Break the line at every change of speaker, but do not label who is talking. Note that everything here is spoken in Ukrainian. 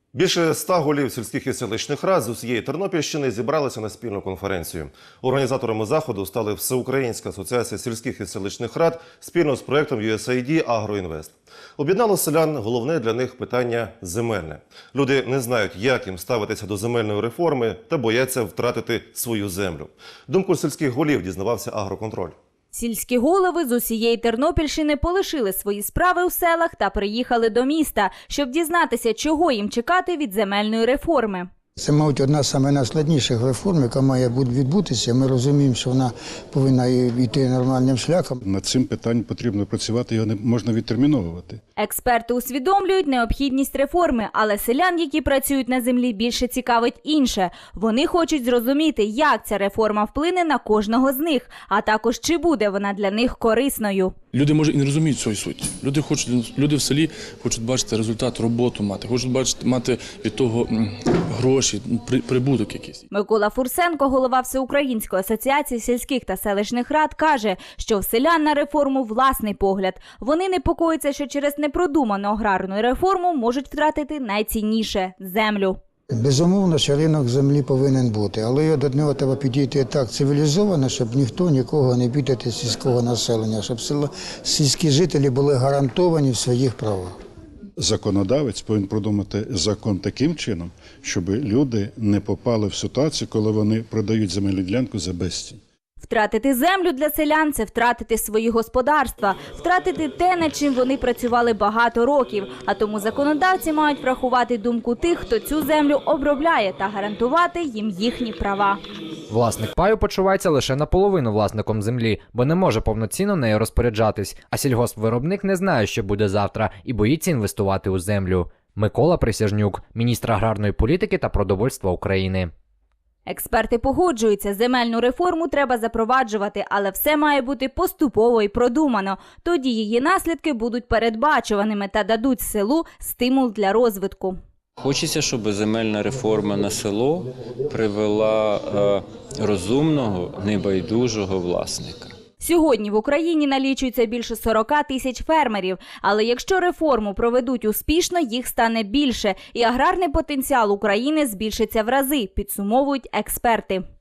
Більше 100 голів сільських і селищних рад з усієї Тернопільщини зібралися на спільну конференцію. Організаторами заходу стали Всеукраїнська асоціація сільських і селищних рад спільно з проєктом USAID «Агроінвест». Об'єднало селян головне для них питання – земельне. Люди не знають, як їм ставитися до земельної реформи та бояться втратити свою землю. Думку сільських голів дізнавався «Агроконтроль».
Сільські голови з усієї Тернопільщини полишили свої справи у селах та приїхали до міста, щоб дізнатися, чого їм чекати від земельної реформи.
Це, мабуть, одна з найскладніших реформ, яка має відбутися. Ми розуміємо, що вона повинна йти нормальним шляхом.
Над цим питанням потрібно працювати, його не можна відтерміновувати.
Експерти усвідомлюють необхідність реформи, але селян, які працюють на землі, більше цікавить інше. Вони хочуть зрозуміти, як ця реформа вплине на кожного з них, а також чи буде вона для них корисною.
Люди, може, і не розуміють цієї суті. Люди в селі хочуть бачити результат, роботу мати, хочуть мати від того гроші, прибуток якийсь.
Микола Фурсенко, голова Всеукраїнської асоціації сільських та селищних рад, каже, що в селян на реформу власний погляд. Вони непокояться, що через непродуману аграрну реформу можуть втратити найцінніше – землю.
Безумовно, що ринок землі повинен бути, але до нього треба підійти так цивілізовано, щоб ніхто нікого не бідати сільського населення, щоб сільські жителі були гарантовані в своїх правах.
Законодавець повинен продумати закон таким чином, щоб люди не попали в ситуацію, коли вони продають земельну ділянку за безцінь.
Втратити землю для селян – це втратити свої господарства, втратити те, над чим вони працювали багато років. А тому законодавці мають врахувати думку тих, хто цю землю обробляє, та гарантувати їм їхні права.
Власник паю почувається лише наполовину власником землі, бо не може повноцінно нею розпоряджатись. А сільгоспвиробник не знає, що буде завтра, і боїться інвестувати у землю. Микола Присяжнюк, міністр аграрної політики та продовольства України.
Експерти погоджуються, земельну реформу треба запроваджувати, але все має бути поступово і продумано. Тоді її наслідки будуть передбачуваними та дадуть селу стимул для розвитку.
Хочеться, щоб земельна реформа на село привела розумного, небайдужого власника.
Сьогодні в Україні налічується більше 40 тисяч фермерів, але якщо реформу проведуть успішно, їх стане більше, і аграрний потенціал України збільшиться в рази, підсумовують експерти.